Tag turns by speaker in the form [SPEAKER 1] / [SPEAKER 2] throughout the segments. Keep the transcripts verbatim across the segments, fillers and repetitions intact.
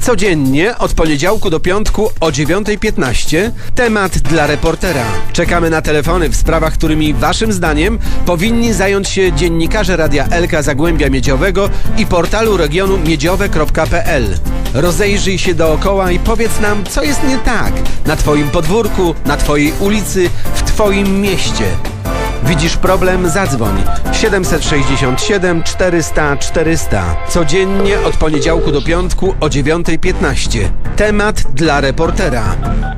[SPEAKER 1] Codziennie od poniedziałku do piątku o dziewiątej piętnaście temat dla reportera. Czekamy na telefony w sprawach, którymi waszym zdaniem powinni zająć się dziennikarze Radia Elka Zagłębia Miedziowego i portalu regionu miedziowe kropka pe el. Rozejrzyj się dookoła i powiedz nam, co jest nie tak na twoim podwórku, na twojej ulicy, w twoim mieście. Widzisz problem? Zadzwoń siedemset sześćdziesiąt siedem czterysta czterysta. Codziennie od poniedziałku do piątku o dziewiątej piętnaście. Temat dla reportera.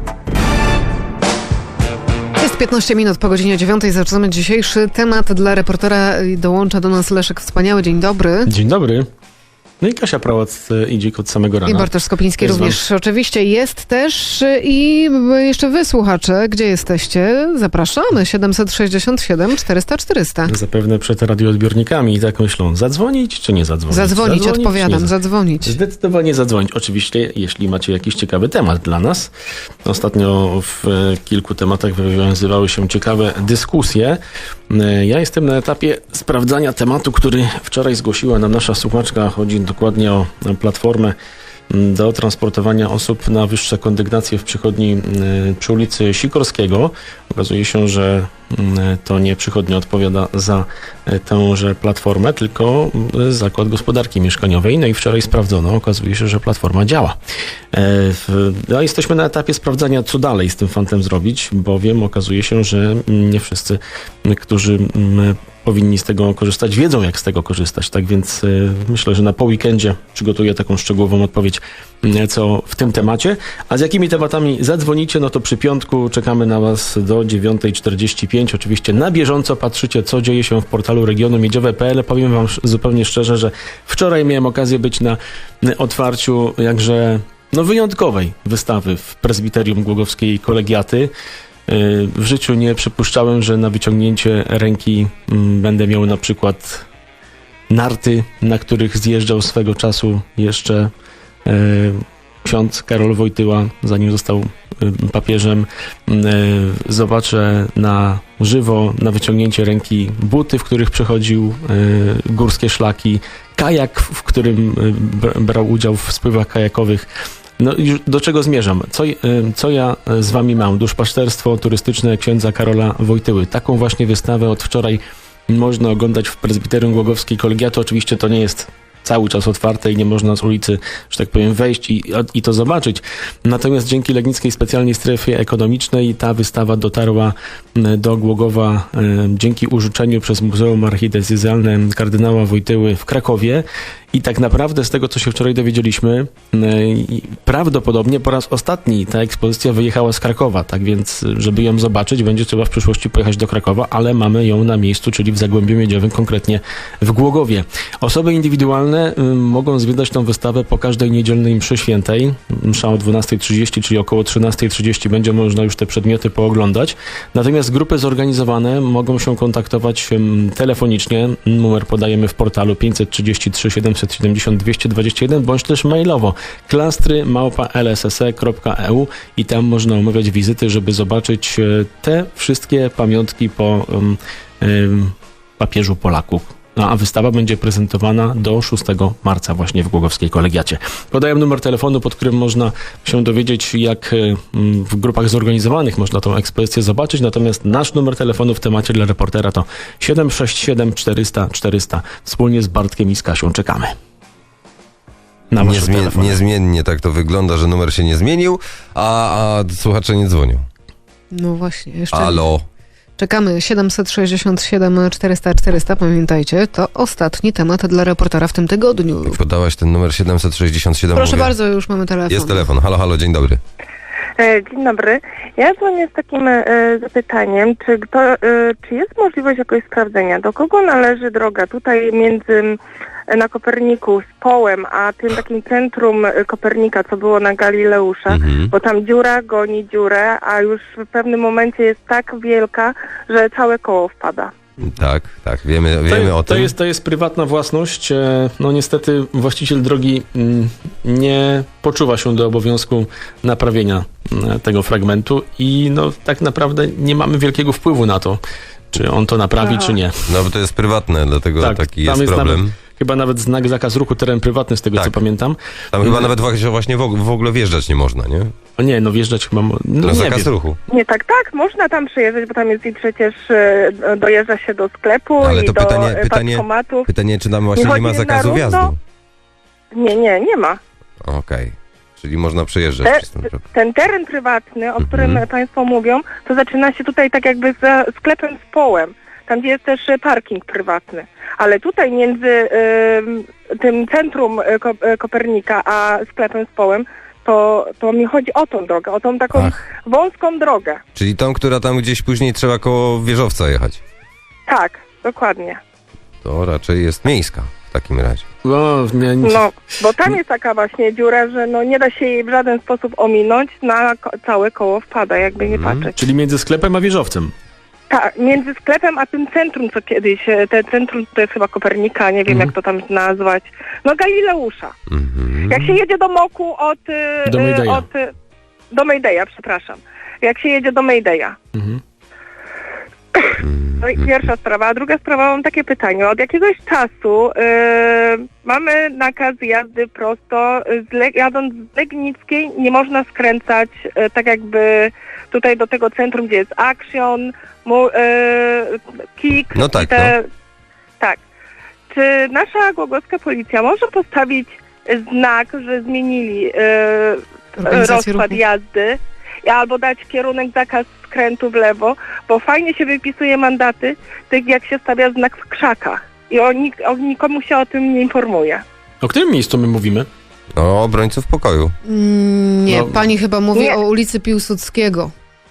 [SPEAKER 2] Jest piętnaście minut po godzinie dziewiątej. Zaczynamy dzisiejszy temat dla reportera. Dołącza do nas Leszek Wspaniały. Dzień dobry.
[SPEAKER 3] Dzień dobry. No i Kasia Prałac idzie od samego rana.
[SPEAKER 2] I Bartosz Skopiński
[SPEAKER 3] jest
[SPEAKER 2] również
[SPEAKER 3] wam...
[SPEAKER 2] oczywiście jest też. I jeszcze wy, słuchacze, gdzie jesteście? Zapraszamy. siedemset sześćdziesiąt siedem czterysta czterysta.
[SPEAKER 3] Zapewne przed radioodbiornikami i tak myślą, zadzwonić czy nie zadzwonić?
[SPEAKER 2] Zadzwonić, zadzwonić odpowiadam,
[SPEAKER 3] nie...
[SPEAKER 2] zadzwonić.
[SPEAKER 3] Zdecydowanie zadzwonić. Oczywiście, jeśli macie jakiś ciekawy temat dla nas. Ostatnio w kilku tematach wywiązywały się ciekawe dyskusje. Ja jestem na etapie sprawdzania tematu, który wczoraj zgłosiła nam nasza słuchaczka. Chodzi dokładnie o platformę do transportowania osób na wyższe kondygnacje w przychodni przy ulicy Sikorskiego. Okazuje się, że to nie przychodnia odpowiada za tęże platformę, tylko Zakład Gospodarki Mieszkaniowej. No i wczoraj sprawdzono, okazuje się, że platforma działa. No, jesteśmy na etapie sprawdzania, co dalej z tym fantem zrobić, bowiem okazuje się, że nie wszyscy, którzy powinni z tego korzystać, wiedzą, jak z tego korzystać. Tak więc y, myślę, że na po weekendzie przygotuję taką szczegółową odpowiedź, y, co w tym temacie. A z jakimi tematami zadzwonicie, no to przy piątku czekamy na was do dziewiątej czterdzieści pięć. Oczywiście na bieżąco patrzycie, co dzieje się w portalu regionu miedziowe kropka pe el. Powiem wam zupełnie szczerze, że wczoraj miałem okazję być na otwarciu jakże no, wyjątkowej wystawy w prezbiterium Głogowskiej Kolegiaty. W życiu nie przypuszczałem, że na wyciągnięcie ręki będę miał na przykład narty, na których zjeżdżał swego czasu jeszcze ksiądz Karol Wojtyła, zanim został papieżem. Zobaczę na żywo, na wyciągnięcie ręki buty, w których przechodził górskie szlaki, kajak, w którym brał udział w spływach kajakowych. No i do czego zmierzam? Co, co ja z wami mam? Duszpasterstwo turystyczne księdza Karola Wojtyły. Taką właśnie wystawę od wczoraj można oglądać w prezbiterium Głogowskiej Kolegiaty. Oczywiście to nie jest cały czas otwarte i nie można z ulicy, że tak powiem, wejść i, i to zobaczyć. Natomiast dzięki Legnickiej Specjalnej Strefie Ekonomicznej ta wystawa dotarła do Głogowa e, dzięki użyczeniu przez Muzeum Archidiecezjalne kardynała Wojtyły w Krakowie. I tak naprawdę z tego, co się wczoraj dowiedzieliśmy, prawdopodobnie po raz ostatni ta ekspozycja wyjechała z Krakowa. Tak więc, żeby ją zobaczyć, będzie trzeba w przyszłości pojechać do Krakowa, ale mamy ją na miejscu, czyli w Zagłębiu Miedziowym, konkretnie w Głogowie. Osoby indywidualne mogą zwiedzać tą wystawę po każdej niedzielnej mszy świętej. Msza o dwunastej trzydzieści, czyli około trzynastej trzydzieści będzie można już te przedmioty pooglądać. Natomiast grupy zorganizowane mogą się kontaktować telefonicznie. Numer podajemy w portalu pięćset trzydzieści trzy siedemset siedemdziesiąt dwieście dwadzieścia jeden, bądź też mailowo klastry małpa el es es e kropka e u i tam można umawiać wizyty, żeby zobaczyć te wszystkie pamiątki po um, um, papieżu Polaku. No, a wystawa będzie prezentowana do szóstego marca właśnie w Głogowskiej Kolegiacie. Podaję numer telefonu, pod którym można się dowiedzieć, jak w grupach zorganizowanych można tą ekspozycję zobaczyć. Natomiast nasz numer telefonu w temacie dla reportera to siedem sześć siedem czterysta czterysta. Wspólnie z Bartkiem i z Kasią czekamy. Na
[SPEAKER 4] Niezmien- niezmiennie tak to wygląda, że numer się nie zmienił, a, a słuchacze nie dzwonią.
[SPEAKER 2] No właśnie. Jeszcze
[SPEAKER 4] Halo.
[SPEAKER 2] Czekamy. Siedemset sześćdziesiąt siedem czterysta czterysta. Pamiętajcie, to ostatni temat dla reportera w tym tygodniu.
[SPEAKER 4] Jak podałaś ten numer siedemset sześćdziesiąt siedem.
[SPEAKER 2] Proszę
[SPEAKER 4] mówię,
[SPEAKER 2] bardzo, już mamy telefon.
[SPEAKER 4] jest telefon. Halo, halo, dzień dobry.
[SPEAKER 5] Dzień dobry. Ja dzwonię z takim e, zapytaniem, czy, to, e, czy jest możliwość jakoś sprawdzenia, do kogo należy droga tutaj między na Koperniku z Połem, a tym takim centrum Kopernika, co było na Galileusza, mhm. bo tam dziura goni dziurę, a już w pewnym momencie jest tak wielka, że całe koło wpada.
[SPEAKER 4] Tak, tak, wiemy, wiemy
[SPEAKER 3] to,
[SPEAKER 4] o tym.
[SPEAKER 3] To jest, to jest prywatna własność. No niestety właściciel drogi nie poczuwa się do obowiązku naprawienia tego fragmentu i no tak naprawdę nie mamy wielkiego wpływu na to, czy on to naprawi,
[SPEAKER 5] Aha.
[SPEAKER 3] czy nie.
[SPEAKER 4] No bo to jest prywatne, dlatego
[SPEAKER 3] tak,
[SPEAKER 4] taki
[SPEAKER 3] tam
[SPEAKER 4] jest,
[SPEAKER 3] jest
[SPEAKER 4] problem.
[SPEAKER 3] Nawet, chyba nawet znak zakaz ruchu, teren prywatny, z tego
[SPEAKER 4] Tak.
[SPEAKER 3] co pamiętam.
[SPEAKER 4] Tam chyba nawet właśnie- właśnie w og- w ogóle wjeżdżać nie można, nie?
[SPEAKER 3] O nie, no wjeżdżać chyba... mo- No
[SPEAKER 4] No
[SPEAKER 3] nie
[SPEAKER 4] zakaz
[SPEAKER 3] wiem.
[SPEAKER 4] ruchu.
[SPEAKER 5] Nie, tak, tak, można tam przyjeżdżać, bo tam jest i przecież e, dojeżdża się do sklepu
[SPEAKER 4] Ale
[SPEAKER 5] i
[SPEAKER 4] to
[SPEAKER 5] do
[SPEAKER 4] pytanie-
[SPEAKER 5] e,
[SPEAKER 4] pytanie-
[SPEAKER 5] bankomatów.
[SPEAKER 4] Pytanie, czy tam właśnie
[SPEAKER 5] Nie
[SPEAKER 4] nie ma
[SPEAKER 5] chodzi na
[SPEAKER 4] zakazu
[SPEAKER 5] równo?
[SPEAKER 4] wjazdu?
[SPEAKER 5] Nie, nie, nie ma.
[SPEAKER 4] Okej. Czyli można przejeżdżać
[SPEAKER 5] Te,
[SPEAKER 4] przez ten teren.
[SPEAKER 5] ten teren prywatny, o
[SPEAKER 4] Mhm.
[SPEAKER 5] którym Państwo mówią, to zaczyna się tutaj tak jakby za sklepem z połem, tam gdzie jest też e, parking prywatny. Ale tutaj między em, tym centrum e, Ko- e, Kopernika a sklepem z połem, to, to mi chodzi o tą drogę, o tą taką
[SPEAKER 4] Ach.
[SPEAKER 5] wąską drogę.
[SPEAKER 4] Czyli tą, która tam gdzieś później trzeba koło wieżowca jechać.
[SPEAKER 5] Tak, dokładnie.
[SPEAKER 4] To raczej jest miejska w takim razie.
[SPEAKER 3] O, nie, nie.
[SPEAKER 5] No, bo tam jest taka właśnie dziura, że no nie da się jej w żaden sposób ominąć, na ko- całe koło wpada, jakby nie
[SPEAKER 4] Mhm.
[SPEAKER 5] patrzeć.
[SPEAKER 3] Czyli między sklepem a wieżowcem.
[SPEAKER 5] Tak, między sklepem a tym centrum, co kiedyś, e, te centrum to jest chyba Kopernika, nie wiem
[SPEAKER 3] Mhm.
[SPEAKER 5] jak to tam nazwać, no Galileusza.
[SPEAKER 4] Mhm.
[SPEAKER 5] Jak się jedzie do Moku od... e,
[SPEAKER 3] Do Maydeya.
[SPEAKER 5] od e, do Maydeya, przepraszam. Jak się jedzie do Maydeya.
[SPEAKER 3] Mhm.
[SPEAKER 5] No i pierwsza sprawa. A druga sprawa, mam takie pytanie. Od jakiegoś czasu e, mamy nakaz jazdy prosto. Z Le- jadąc z Legnickiej nie można skręcać e, tak jakby tutaj do tego centrum, gdzie jest Action, mu, e, Kik.
[SPEAKER 4] No
[SPEAKER 5] i
[SPEAKER 4] tak,
[SPEAKER 5] te, tak. Czy nasza głogowska policja może postawić znak, że zmienili e,
[SPEAKER 2] Organizację
[SPEAKER 5] rozkład
[SPEAKER 2] ruchu.
[SPEAKER 5] jazdy albo dać kierunek zakaz skrętu w lewo, bo fajnie się wypisuje mandaty, tak jak się stawia znak w krzakach i o, nik- o nikomu się o tym nie informuje.
[SPEAKER 3] O którym miejscu my mówimy?
[SPEAKER 4] O obrońców pokoju.
[SPEAKER 2] Mm, nie,
[SPEAKER 3] No.
[SPEAKER 2] pani chyba mówi
[SPEAKER 5] Nie.
[SPEAKER 2] o ulicy Piłsudskiego.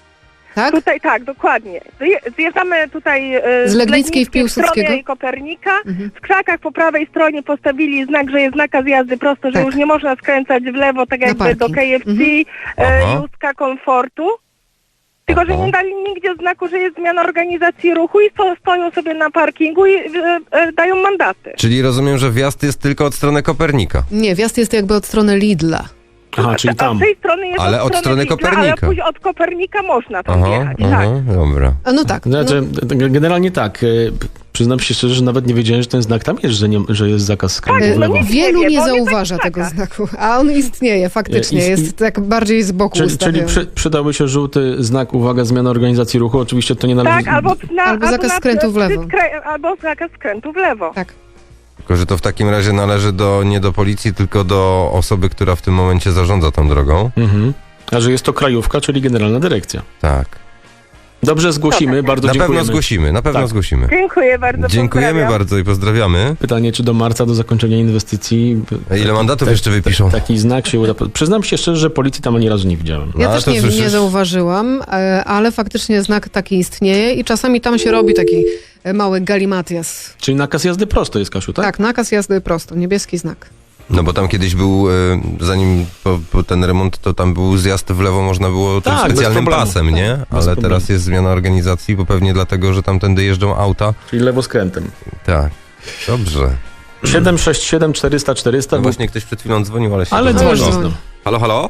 [SPEAKER 2] Tak?
[SPEAKER 5] Tutaj tak, dokładnie. Zje- Zjeżdżamy tutaj e,
[SPEAKER 2] Z Legnickiej w
[SPEAKER 5] w
[SPEAKER 2] Piłsudskiego?
[SPEAKER 5] stronę Kopernika.
[SPEAKER 2] Mhm.
[SPEAKER 5] W krzakach po prawej stronie postawili znak, że jest nakaz jazdy prosto, że
[SPEAKER 2] Tak.
[SPEAKER 5] już nie można skręcać w lewo, tak
[SPEAKER 2] Na
[SPEAKER 5] jakby do
[SPEAKER 2] parking.
[SPEAKER 5] K F C,
[SPEAKER 2] Mhm.
[SPEAKER 5] e,
[SPEAKER 4] Aha.
[SPEAKER 5] Józka Komfortu. Tylko, że
[SPEAKER 4] Aha.
[SPEAKER 5] nie dali nigdzie znaku, że jest zmiana organizacji ruchu i sto, stoją sobie na parkingu i e, e, dają mandaty.
[SPEAKER 4] Czyli rozumiem, że wjazd jest tylko od strony Kopernika.
[SPEAKER 2] Nie, wjazd jest jakby od strony Lidla.
[SPEAKER 3] Aha, czyli
[SPEAKER 5] A
[SPEAKER 3] tam.
[SPEAKER 5] z tej strony jest
[SPEAKER 4] Ale od strony
[SPEAKER 5] Lidla,
[SPEAKER 4] Kopernika.
[SPEAKER 5] Ale później od Kopernika można tam
[SPEAKER 4] Aha,
[SPEAKER 5] jechać,
[SPEAKER 4] aha,
[SPEAKER 5] tak.
[SPEAKER 4] dobra.
[SPEAKER 2] A no tak.
[SPEAKER 3] Znaczy,
[SPEAKER 2] No,
[SPEAKER 3] generalnie tak. e, Przyznam się szczerze, że nawet nie wiedziałem, że ten znak tam jest, że, nie, że jest zakaz skrętu
[SPEAKER 5] Tak,
[SPEAKER 3] w
[SPEAKER 2] e,
[SPEAKER 3] lewo.
[SPEAKER 5] no nie-
[SPEAKER 2] wielu
[SPEAKER 5] wie,
[SPEAKER 2] nie
[SPEAKER 5] bo on jest
[SPEAKER 2] zauważa
[SPEAKER 5] tak w
[SPEAKER 2] tego
[SPEAKER 5] krzakach.
[SPEAKER 2] znaku, a on istnieje faktycznie,
[SPEAKER 3] Ist-
[SPEAKER 2] jest tak bardziej z boku
[SPEAKER 3] Czyli, czyli
[SPEAKER 2] ustawiony.
[SPEAKER 3] przy, przydałby się żółty znak, uwaga, zmiana organizacji ruchu. Oczywiście to nie należy...
[SPEAKER 5] Tak, albo, na,
[SPEAKER 2] Albo zakaz
[SPEAKER 5] na-
[SPEAKER 2] skrętu w lewo.
[SPEAKER 5] skrę- Albo zakaz skrętu w lewo.
[SPEAKER 2] Tak.
[SPEAKER 4] Tylko, że to w takim razie należy do, nie do policji, tylko do osoby, która w tym momencie zarządza tą drogą.
[SPEAKER 3] Mhm. A że jest to krajówka, czyli generalna dyrekcja.
[SPEAKER 4] Tak.
[SPEAKER 3] Dobrze, zgłosimy, bardzo
[SPEAKER 4] Na
[SPEAKER 3] dziękujemy.
[SPEAKER 4] pewno zgłosimy, na pewno
[SPEAKER 3] Tak.
[SPEAKER 4] zgłosimy.
[SPEAKER 5] Dziękuję bardzo.
[SPEAKER 4] Dziękujemy
[SPEAKER 5] pozdrawiam.
[SPEAKER 4] bardzo i pozdrawiamy.
[SPEAKER 3] Pytanie, czy do marca, do zakończenia inwestycji...
[SPEAKER 4] A ile mandatów jeszcze wypiszą?
[SPEAKER 3] Taki znak się uda. Przyznam się szczerze, że policji tam ani razu nie widziałem.
[SPEAKER 2] Ja
[SPEAKER 4] No, ale
[SPEAKER 2] też
[SPEAKER 4] to
[SPEAKER 2] nie,
[SPEAKER 4] słyszysz?
[SPEAKER 2] nie zauważyłam, e, ale faktycznie znak taki istnieje i czasami tam się robi taki e, mały galimatias.
[SPEAKER 3] Czyli nakaz jazdy prosto jest, Kasiu, tak?
[SPEAKER 2] Tak, nakaz jazdy prosto, niebieski znak.
[SPEAKER 4] No bo tam kiedyś był, e, zanim po, po ten remont, to tam był zjazd w lewo, można było tym
[SPEAKER 3] Tak, bez
[SPEAKER 4] specjalnym
[SPEAKER 3] problemu.
[SPEAKER 4] pasem, nie?
[SPEAKER 3] Tak, bez
[SPEAKER 4] Ale
[SPEAKER 3] problemu.
[SPEAKER 4] teraz jest zmiana organizacji, bo pewnie dlatego, że tamtędy jeżdżą auta.
[SPEAKER 3] Czyli lewoskrętem.
[SPEAKER 4] Tak. Dobrze.
[SPEAKER 3] siedem sześć siedem czterysta czterysta.
[SPEAKER 4] No właśnie ktoś przed chwilą dzwonił, ale się
[SPEAKER 3] Ale
[SPEAKER 4] to
[SPEAKER 3] dzwoni
[SPEAKER 2] dzwoni.
[SPEAKER 3] znowu.
[SPEAKER 4] Halo, halo?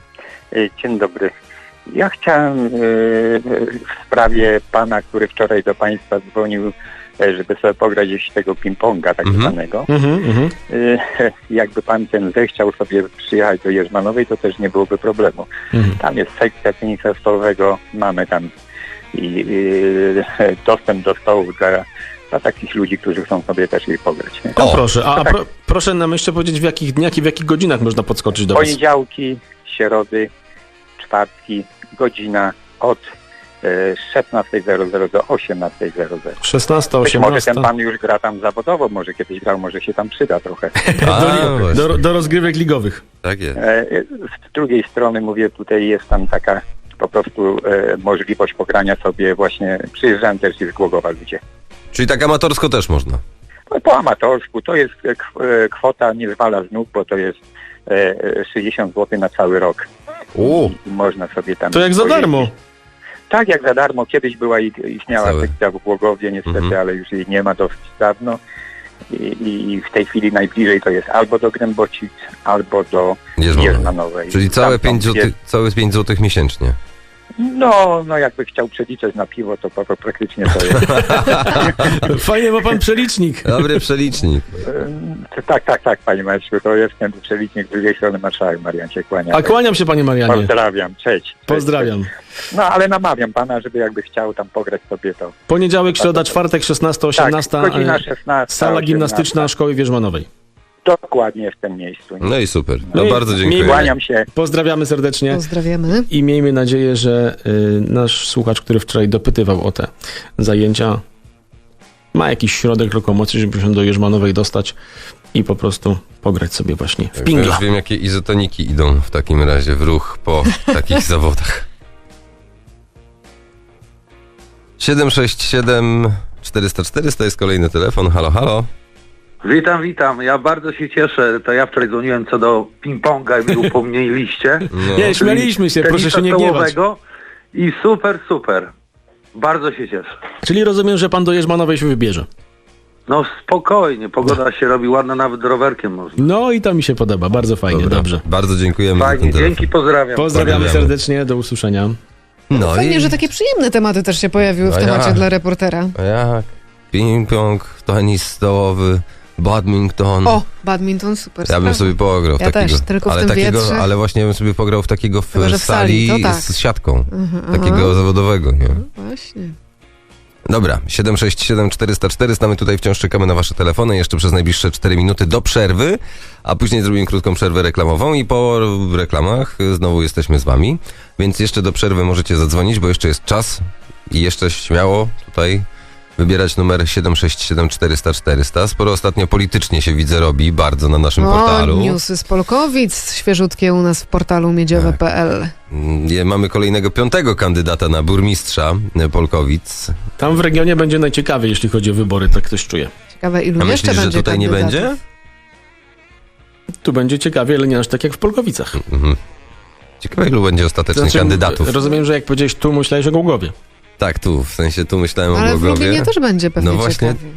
[SPEAKER 6] E, Dzień dobry. Ja chciałem e, w sprawie pana, który wczoraj do państwa dzwonił, e, żeby sobie pograć gdzieś tego ping-ponga tak
[SPEAKER 4] Mhm.
[SPEAKER 6] zwanego.
[SPEAKER 3] Mhm, mhm.
[SPEAKER 6] E, Jakby pan ten zechciał sobie przyjechać do Jerzmanowej, to też nie byłoby problemu.
[SPEAKER 3] Mhm.
[SPEAKER 6] Tam jest sekcja tenisa stołowego, mamy tam i, e, dostęp do stołów dla, dla takich ludzi, którzy chcą sobie też jej pograć. Nie?
[SPEAKER 3] No
[SPEAKER 4] O,
[SPEAKER 3] proszę, a, a
[SPEAKER 6] tak.
[SPEAKER 3] pro, proszę nam jeszcze powiedzieć, w jakich dniach i w jakich godzinach można podskoczyć do was?
[SPEAKER 6] Poniedziałki, środy, czwartki, godzina od e, szesnasta zero zero do osiemnasta zero zero.
[SPEAKER 3] szesnasta,
[SPEAKER 6] Być może
[SPEAKER 3] osiemnasta.
[SPEAKER 6] ten pan już gra tam zawodowo, może kiedyś grał, może się tam przyda trochę.
[SPEAKER 4] A,
[SPEAKER 3] Do,
[SPEAKER 4] właśnie.
[SPEAKER 3] do, do rozgrywek ligowych.
[SPEAKER 4] Tak jest.
[SPEAKER 6] E, Z drugiej strony mówię, tutaj jest tam taka po prostu e, możliwość pogrania sobie właśnie, przyjeżdżają też z Głogowa ludzie.
[SPEAKER 4] Czyli tak amatorsko też można.
[SPEAKER 6] No, po amatorsku to jest e, kw- e, kwota nie zwala z nóg, bo to jest e, e, sześćdziesiąt złotych na cały rok.
[SPEAKER 4] U,
[SPEAKER 6] I można sobie tam...
[SPEAKER 3] To jak za
[SPEAKER 6] pojeździć.
[SPEAKER 3] darmo.
[SPEAKER 6] Tak, jak za darmo. Kiedyś była i istniała
[SPEAKER 4] Cały.
[SPEAKER 6] sekcja w Głogowie, niestety,
[SPEAKER 4] Mhm.
[SPEAKER 6] ale już jej nie ma dosyć dawno. I, I w tej chwili najbliżej to jest albo do Grębocic, albo do
[SPEAKER 4] Jerzmanowej.
[SPEAKER 6] Jerzmanowej.
[SPEAKER 4] Czyli całe
[SPEAKER 6] Tam są
[SPEAKER 4] pięć
[SPEAKER 6] dwie-
[SPEAKER 4] złotych, całe pięć złotych miesięcznie.
[SPEAKER 6] No, no jakby chciał przeliczać na piwo, to, to praktycznie to jest.
[SPEAKER 3] Fajnie ma pan przelicznik.
[SPEAKER 4] Dobry przelicznik.
[SPEAKER 6] E, tak, tak, tak, panie Marszu, to jest ten przelicznik z drugiej strony marszałek Marian się kłania.
[SPEAKER 3] A kłaniam się, panie Marianie.
[SPEAKER 6] Pozdrawiam, cześć. cześć
[SPEAKER 3] Pozdrawiam.
[SPEAKER 6] Cześć. No, ale namawiam pana, żeby jakby chciał tam pograć sobie to.
[SPEAKER 3] Poniedziałek, środa, czwartek, szesnasta, osiemnasta.
[SPEAKER 6] Tak, godzina
[SPEAKER 3] e,
[SPEAKER 6] szesnasta.
[SPEAKER 3] Sala gimnastyczna Szkoły Wierzmanowej.
[SPEAKER 6] Dokładnie w tym miejscu.
[SPEAKER 4] No i super.
[SPEAKER 3] No
[SPEAKER 4] No
[SPEAKER 3] i
[SPEAKER 4] bardzo dziękuję.
[SPEAKER 6] Kłaniam się.
[SPEAKER 3] Pozdrawiamy serdecznie.
[SPEAKER 2] Pozdrawiamy.
[SPEAKER 3] I miejmy nadzieję, że y, nasz słuchacz, który wczoraj dopytywał o te zajęcia, ma jakiś środek lokomocji, żeby się do Jerzmanowej dostać i po prostu pograć sobie właśnie w
[SPEAKER 4] Ja
[SPEAKER 3] pingla.
[SPEAKER 4] już wiem, jakie izotoniki idą w takim razie w ruch po takich zawodach. siedem sześć siedem czterysta czterysta jest kolejny telefon. Halo, halo.
[SPEAKER 7] Witam, witam. Ja bardzo się cieszę. To ja wczoraj dzwoniłem co do ping-ponga i mi upomnieliście.
[SPEAKER 4] No.
[SPEAKER 3] Nie, śmialiśmy się, proszę się nie gniewać.
[SPEAKER 7] I super, super. Bardzo się cieszę.
[SPEAKER 3] Czyli rozumiem, że pan do Jerzmanowej się wybierze.
[SPEAKER 7] No spokojnie, pogoda się robi ładna, nawet rowerkiem można.
[SPEAKER 3] No i to mi się podoba, bardzo fajnie,
[SPEAKER 4] Dobra.
[SPEAKER 3] dobrze.
[SPEAKER 4] Bardzo dziękujemy za
[SPEAKER 7] Fajnie,
[SPEAKER 4] ten telefon.
[SPEAKER 7] dzięki, pozdrawiam.
[SPEAKER 3] Pozdrawiamy
[SPEAKER 4] Pozdrawiamy.
[SPEAKER 3] serdecznie, do usłyszenia.
[SPEAKER 4] No
[SPEAKER 2] Fajnie,
[SPEAKER 4] i...
[SPEAKER 2] że takie przyjemne tematy też się pojawiły w
[SPEAKER 4] No
[SPEAKER 2] temacie
[SPEAKER 4] ja.
[SPEAKER 2] dla reportera.
[SPEAKER 4] A jak? Ping-pong, tenis stołowy, badminton.
[SPEAKER 2] O, badminton, super
[SPEAKER 4] Ja bym
[SPEAKER 2] sprawa.
[SPEAKER 4] sobie pograł w
[SPEAKER 2] Ja
[SPEAKER 4] takiego.
[SPEAKER 2] też, tylko w
[SPEAKER 4] ale
[SPEAKER 2] tym
[SPEAKER 4] takiego,
[SPEAKER 2] wietrze.
[SPEAKER 4] ale właśnie bym sobie pograł w takiego w
[SPEAKER 2] Chyba, że w
[SPEAKER 4] sali,
[SPEAKER 2] sali, to tak.
[SPEAKER 4] z siatką.
[SPEAKER 2] Mhm,
[SPEAKER 4] Takiego
[SPEAKER 2] aha.
[SPEAKER 4] zawodowego, nie?
[SPEAKER 2] Właśnie.
[SPEAKER 4] Dobra, siedem sześć siedem czterysta czterysta, my tutaj wciąż czekamy na wasze telefony jeszcze przez najbliższe cztery minuty do przerwy, a później zrobimy krótką przerwę reklamową i po reklamach znowu jesteśmy z wami, więc jeszcze do przerwy możecie zadzwonić, bo jeszcze jest czas i jeszcze śmiało tutaj wybierać numer siedem sześć siedem czterysta czterysta. Sporo ostatnio politycznie się widzę robi, bardzo na naszym
[SPEAKER 2] O,
[SPEAKER 4] portalu.
[SPEAKER 2] newsy z Polkowic, świeżutkie u nas w portalu miedziowe kropka p l.
[SPEAKER 4] Mm, Mamy kolejnego piątego kandydata na burmistrza Polkowic.
[SPEAKER 3] Tam w regionie będzie najciekawiej, jeśli chodzi o wybory, tak ktoś czuje.
[SPEAKER 2] Ciekawe, ilu
[SPEAKER 4] A
[SPEAKER 2] jeszcze
[SPEAKER 4] myślisz, że
[SPEAKER 2] będzie
[SPEAKER 4] tutaj nie
[SPEAKER 2] kandydatów?
[SPEAKER 4] będzie?
[SPEAKER 3] Tu będzie ciekawie, ale nie aż tak jak w Polkowicach.
[SPEAKER 4] Mhm. Ciekawe, ilu będzie ostatecznie
[SPEAKER 3] Znaczy,
[SPEAKER 4] kandydatów.
[SPEAKER 3] Rozumiem, że jak powiedziałeś tu, myślałeś o Głogowie.
[SPEAKER 4] Tak, tu, w sensie tu myślałem o
[SPEAKER 2] Ale w
[SPEAKER 4] Głogowie.
[SPEAKER 2] Lublinie też będzie pewnie
[SPEAKER 4] No właśnie.
[SPEAKER 2] ciekawie.